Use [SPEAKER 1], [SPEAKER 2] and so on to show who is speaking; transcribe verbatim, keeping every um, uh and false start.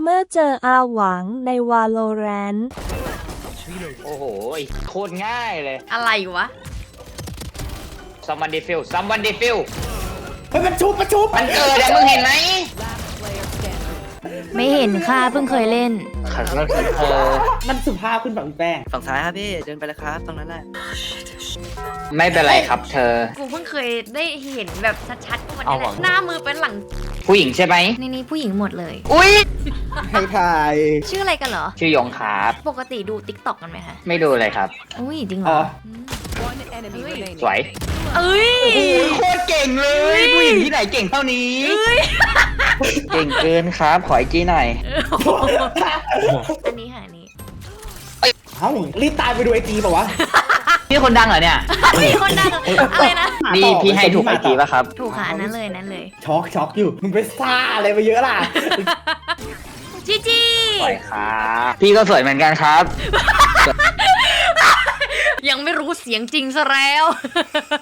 [SPEAKER 1] เมื่อเจออาหวังใน Valorant
[SPEAKER 2] โอ้โหโคตรง่ายเลย
[SPEAKER 3] อะไรวะ
[SPEAKER 2] someone defuse someone defuse
[SPEAKER 4] เฮ้ยมันชุบมันชุบ
[SPEAKER 2] มันเกิดอะมึงเห็นไหม
[SPEAKER 3] ไม่เห็นค่ะเพิ่งเคยเล่น
[SPEAKER 2] ขันก็คือเธอ
[SPEAKER 4] มันสุภาพขึ้นแบบพี่แป้ง
[SPEAKER 5] ฝั่งซ้ายครับพี่เดินไปเลยครับตรงนั้นแหละ
[SPEAKER 2] ไม่เป็นไรครับเธอ
[SPEAKER 3] กูเพิ่งเคยได้เห็นแบบชัดๆก็วันนี้แหละ
[SPEAKER 2] เอาหวัง
[SPEAKER 3] หน้ามือเป็นหลัง
[SPEAKER 2] ผู้หญิงใช่ไหม
[SPEAKER 3] นี่นี่ผู้หญิงหมดเลย
[SPEAKER 2] อุ้ย
[SPEAKER 4] ให้ถ่าย
[SPEAKER 3] ชื่ออะไรกันเหรอ
[SPEAKER 2] ชื่อยงครับ
[SPEAKER 3] ปกติดูติ๊กต็อกกันไหมคะ
[SPEAKER 2] ไม่ดูเลยครับ
[SPEAKER 3] อุ้ยจริงเหร
[SPEAKER 4] อ๋
[SPEAKER 3] อ
[SPEAKER 4] อ
[SPEAKER 6] One enemy remaining.
[SPEAKER 2] สวย
[SPEAKER 3] เอ้ย
[SPEAKER 2] โอ้ยโคตรเก่งเลย ผู้หญิงที่ไหนเก่งเท่านี้ เก่งเกินครับ ขออีกทีหน่อย
[SPEAKER 3] อันนี้ค่ะอันนี้
[SPEAKER 4] เอ้ารีบตายไปดูไอจีป่าวะ
[SPEAKER 2] พี่คนดังเหรอเนี่ย
[SPEAKER 3] มีคนดังอะไรนะ
[SPEAKER 2] นี่พี่ให้ถูกไอจีป่ะครับ
[SPEAKER 3] ถูกค่ะอันนั้นเลยอันนั้นเลย
[SPEAKER 4] ช็อกช็อกอยู่มึงไปซ่าอะไรไปเยอะล่ะ
[SPEAKER 3] จีจี
[SPEAKER 2] สวยครับพี่ก็สวยเหมือนกันครับ
[SPEAKER 3] ยังไม่รู้เสียงจริงซะแล้ว